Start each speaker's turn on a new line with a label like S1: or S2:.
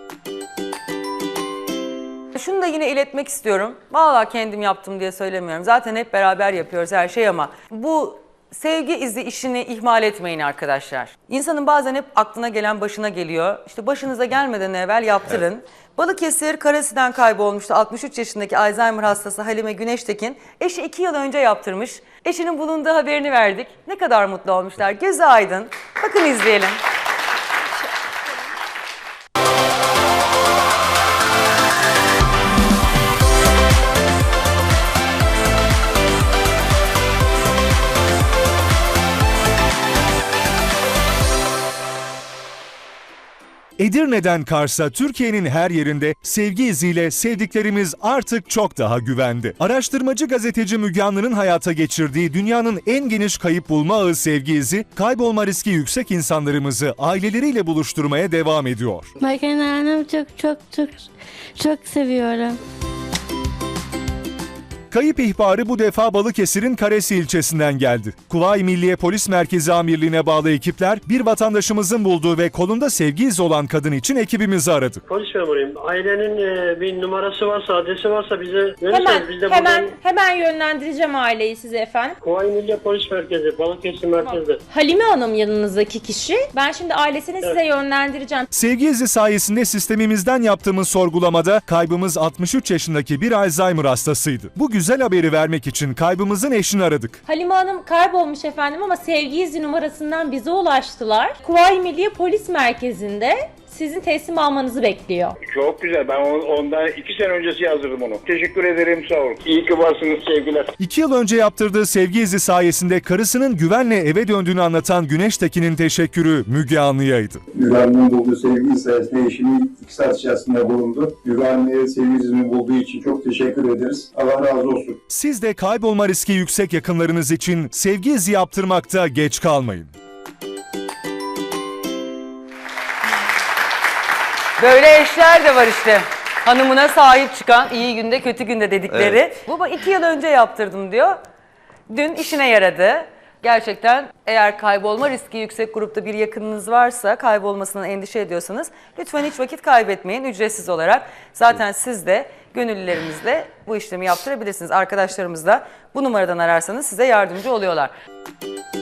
S1: Şunu da yine iletmek istiyorum. Vallahi kendim yaptım diye söylemiyorum. Zaten hep beraber yapıyoruz her şeyi ama bu sevgi izi işini ihmal etmeyin arkadaşlar. İnsanın bazen hep aklına gelen başına geliyor. İşte başınıza gelmeden evvel yaptırın. Evet. Balıkesir Karasi'den kaybolmuştu 63 yaşındaki Alzheimer hastası Halime Güneştekin. Eşi 2 yıl önce yaptırmış. Eşinin bulunduğu haberini verdik. Ne kadar mutlu olmuşlar. Gözü aydın. Bakın izleyelim.
S2: Edirne'den Kars'a Türkiye'nin her yerinde sevgi iziyle sevdiklerimiz artık çok daha güvende. Araştırmacı gazeteci Müge Anlı'nın hayata geçirdiği dünyanın en geniş kayıp bulma ağı sevgi izi, kaybolma riski yüksek insanlarımızı aileleriyle buluşturmaya devam ediyor.
S3: Bakın annem çok seviyorum.
S2: Kayıp ihbarı bu defa Balıkesir'in Karesi ilçesinden geldi. Kuvayi Milliye Polis Merkezi Amirliği'ne bağlı ekipler bir vatandaşımızın bulduğu ve kolunda sevgi izi olan kadın için ekibimizi aradı.
S4: Polis memuruyum. Ailenin bir numarası varsa, adresi varsa bize verirseniz biz de
S5: hemen yönlendireceğim aileyi size efendim.
S4: Kuvayi Milliye Polis Merkezi, Balıkesir merkezde.
S5: Halime Hanım yanınızdaki kişi. Ben şimdi ailesini size yönlendireceğim.
S2: Sevgi izi sayesinde sistemimizden yaptığımız sorgulamada kaybımız 63 yaşındaki bir Alzheimer hastasıydı. Bu güzel haberi vermek için kaybımızın eşini aradık.
S5: Halime Hanım kaybolmuş efendim ama sevgi izi numarasından bize ulaştılar. Kuvayi Milliye Polis Merkezi'nde sizin teslim almanızı bekliyor.
S6: Çok güzel. Ben ondan 2 sene öncesi yazdırdım onu. Teşekkür ederim. Sağ olun. İyi ki varsınız. Sevgiler.
S2: 2 yıl önce yaptırdığı sevgi izi sayesinde karısının güvenle eve döndüğünü anlatan Güneştekin'in teşekkürü Müge Anlı'yaydı.
S7: Müge Anlı'nın bulduğu sevgi izi sayesinde eşimi 2 saat içerisinde bulundu. Müge Anlı'ya sevgi izini bulduğu için çok teşekkür ederiz. Allah razı olsun.
S2: Siz de kaybolma riski yüksek yakınlarınız için sevgi izi yaptırmakta geç kalmayın.
S1: Böyle eşler de var işte. Hanımına sahip çıkan, iyi günde kötü günde dedikleri. Evet. Baba 2 yıl önce yaptırdım diyor. Dün işine yaradı. Gerçekten eğer kaybolma riski yüksek grupta bir yakınınız varsa, kaybolmasından endişe ediyorsanız lütfen hiç vakit kaybetmeyin ücretsiz olarak. Zaten siz de gönüllülerimizle bu işlemi yaptırabilirsiniz. Arkadaşlarımız da bu numaradan ararsanız size yardımcı oluyorlar.